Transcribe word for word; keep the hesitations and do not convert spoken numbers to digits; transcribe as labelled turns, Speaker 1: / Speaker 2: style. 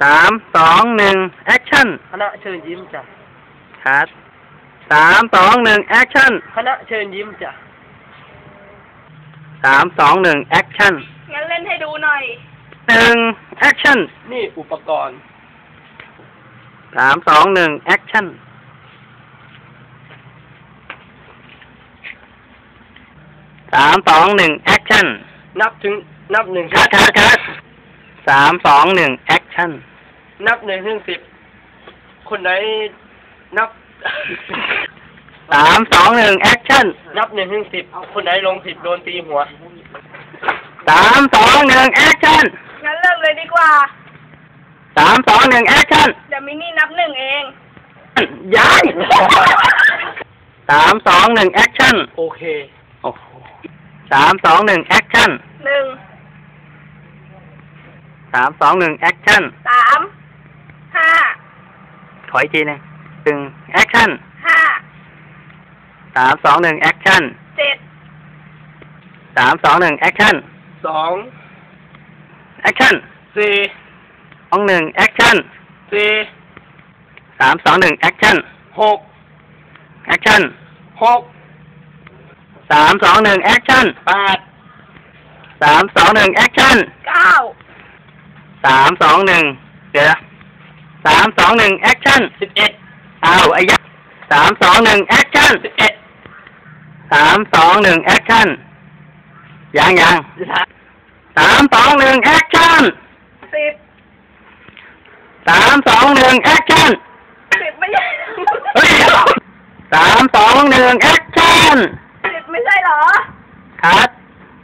Speaker 1: สามสองหนึ่งแอคชั่น
Speaker 2: คณะเชิญยิ้มจ้ะ
Speaker 1: คัดสามสองหนึ่งแอคชั่น
Speaker 2: คณะเชิญยิ้มจ้ะ
Speaker 1: สามสองหนึ่งแอคชั่น
Speaker 3: งั้นเล่นให้ดูหน่อย
Speaker 1: หนึ่งแอคชั่น
Speaker 2: นี่อุปกรณ์
Speaker 1: สามสองหนึ่งแอคชั่นสามสองหนึ่งแอคชั่น
Speaker 2: นับถึงนับหนึ่ง
Speaker 1: คัดคัดคัดสามสองหนึ่งแอคชั่น
Speaker 2: นับหนึ่งถึงสิบคนไหนนับ
Speaker 1: สามสองหนึ่งแอคชั่น
Speaker 2: นับหนึ่งถึงสิบคนไหนลงสิบโดนตีหัว
Speaker 1: สามสองหนึ่งแอคชั่น
Speaker 3: งั้นเลิกเลยดีกว่า
Speaker 1: สามสองหนึ่งแอคชั่น
Speaker 3: เดี๋ยวมินี่นับหนึ่งเอง
Speaker 1: ยังสามสองหนึ่งแอคชั่น
Speaker 2: โอเค
Speaker 1: โอ้โหสามสองหนึ่งแอคชั่น
Speaker 3: หนึ่ง
Speaker 1: สามสองหนึ่งแอคชั่น
Speaker 3: สามห้า
Speaker 1: ถอยทีนึงหนึ่งแอคชั่น
Speaker 3: ห้า
Speaker 1: สามสองหนึ่งแอคชั่น
Speaker 3: เจ็ด
Speaker 1: สามสองหนึ่งแอคชั่น
Speaker 2: สอง
Speaker 1: แอคชั่น
Speaker 2: สี่
Speaker 1: สองหนึ่งแอคชั่น
Speaker 2: สี่
Speaker 1: สามสองหนึ่งแอคชั่น
Speaker 2: หก
Speaker 1: แอคชั่น
Speaker 2: หก
Speaker 1: สามสองหนึ่งแอคชั่น
Speaker 2: แปด
Speaker 1: สามสองหนึ่งแอคชั่น
Speaker 3: เก้า
Speaker 1: สามสองหนึ่งเดี๋ยวสามสองหนึ่งแอคชั่น
Speaker 2: สิบเอ็ด
Speaker 1: อ้าวไอ้ยักษ์สามสองหนึ่งแอคชั่น
Speaker 2: สิบเอ็ด
Speaker 1: สามสองหนึ่งแอคชั่นยังยังสามสองหนึ่งแอคชั่น
Speaker 3: สิบ
Speaker 1: สามสองหนึ่งแอคชั่น
Speaker 3: สิบไม่ใช่
Speaker 1: สามสองหนึ่งแอคชั่น
Speaker 3: สิบไม่ใช่เหรอ
Speaker 1: คัด